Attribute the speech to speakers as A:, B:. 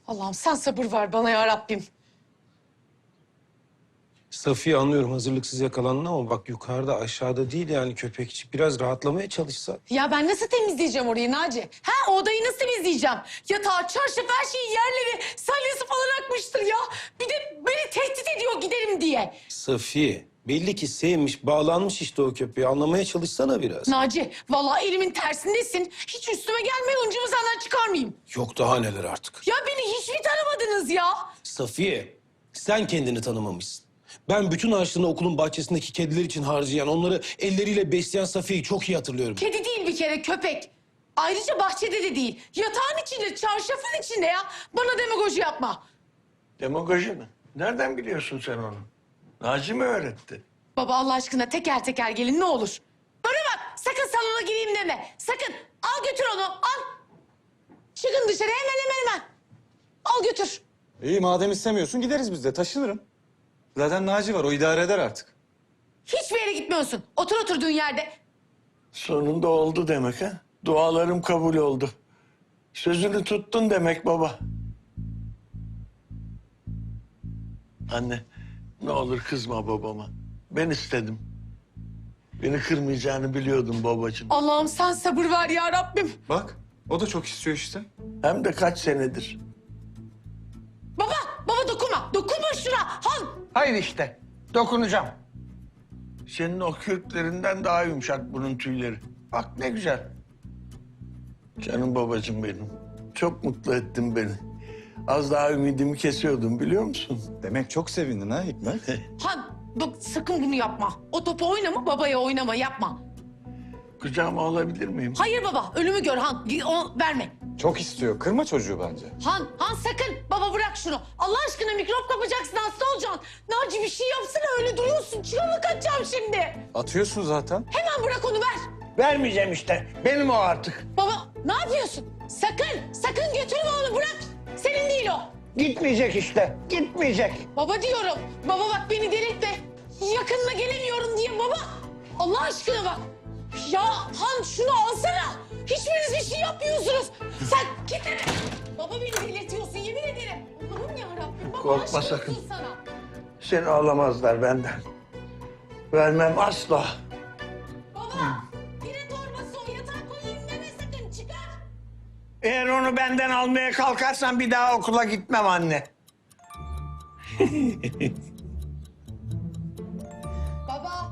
A: Allah'ım sen sabır ver bana ya Rabbim.
B: Safiye anlıyorum hazırlıksız yakalandın ama bak yukarıda aşağıda değil yani köpekçik biraz rahatlamaya çalışsa.
A: Ya ben nasıl temizleyeceğim orayı Naci? Ha, o odayı nasıl temizleyeceğim? Yatağı, çarşafı, her şeyi, yerleri, salyası falan akmıştır ya. Bir de beni tehdit ediyor giderim diye.
B: Safiye belli ki sevmiş bağlanmış işte o köpeği anlamaya çalışsana biraz.
A: Naci, vallahi elimin tersindesin. Hiç üstüme gelme, hıncımı senden çıkarmayayım.
B: Yok daha neler artık.
A: Ya beni hiç mi tanımadınız ya?
B: Safiye sen kendini tanımamışsın. Ben bütün harçlığını okulun bahçesindeki kediler için harcayan, onları elleriyle besleyen Safiye'yi çok iyi hatırlıyorum.
A: Kedi değil bir kere, köpek. Ayrıca bahçede de değil. Yatağın içinde, çarşafın içinde ya. Bana demagoji yapma.
C: Demagoji mi? Nereden biliyorsun sen onu? Naci mi öğretti?
A: Baba Allah aşkına teker teker gelin ne olur. Bana bak, sakın salona gireyim deme. Sakın. Al götür onu, al. Çıkın dışarı hemen. Al götür.
D: İyi madem istemiyorsun gideriz biz de taşınırım. Zaten Naci var o idare eder artık.
A: Hiçbir yere gitmiyorsun. Otur oturduğun yerde.
C: Sonunda oldu demek ha? Dualarım kabul oldu. Sözünü tuttun demek baba. Anne, ne olur kızma babama. Ben istedim. Beni kırmayacağını biliyordum babacığım.
A: Allah'ım sen sabır ver ya Rabbim.
D: Bak o da çok istiyor işte.
C: Hem de kaç senedir.
A: Baba dokunma. Dokunma şuna. Al.
C: Hayır işte, dokunacağım. Senin o kürklerinden daha yumuşak bunun tüyleri. Bak ne güzel. Canım babacığım benim. Çok mutlu ettin beni. Az daha ümidimi kesiyordum biliyor musun?
D: Demek çok sevindin ha Hikmet.
A: Han bak sakın bunu yapma. O topu oynama, babaya oynama, yapma.
C: Kucağıma alabilir miyim?
A: Hayır baba, ölümü gör Han. O verme.
D: Çok istiyor kırma çocuğu bence.
A: Han sakın. Baba bırak şunu. Allah aşkına mikrop kapacaksın, hasta olacaksın. Naci bir şey yapsana, öyle duruyorsun. Çıkamı kaçacağım şimdi.
D: Atıyorsun zaten.
A: Hemen bırak onu, ver.
C: Vermeyeceğim işte. Benim o artık.
A: Baba ne yapıyorsun? Sakın götürme onu, bırak. Senin değil o.
C: Gitmeyecek işte. Gitmeyecek.
A: Baba diyorum. Baba bak beni delirtme. Yakınına gelemiyorum diye baba. Allah aşkına bak. Ya Han şunu alsana. Hiçbiriniz bir şey yapmıyorsunuz. Sen git hele. Baba beni delirtiyorsun yemin ederim. Allah'ım yarabbim. Baba
C: Korkma
A: aşk
C: sakın.
A: olsun sana.
C: Seni alamazlar benden. Vermem asla.
A: Baba pire torbası o, yatağa koyayım deme sakın, çıkar.
C: Eğer onu benden almaya kalkarsan bir daha okula gitmem anne.
A: Baba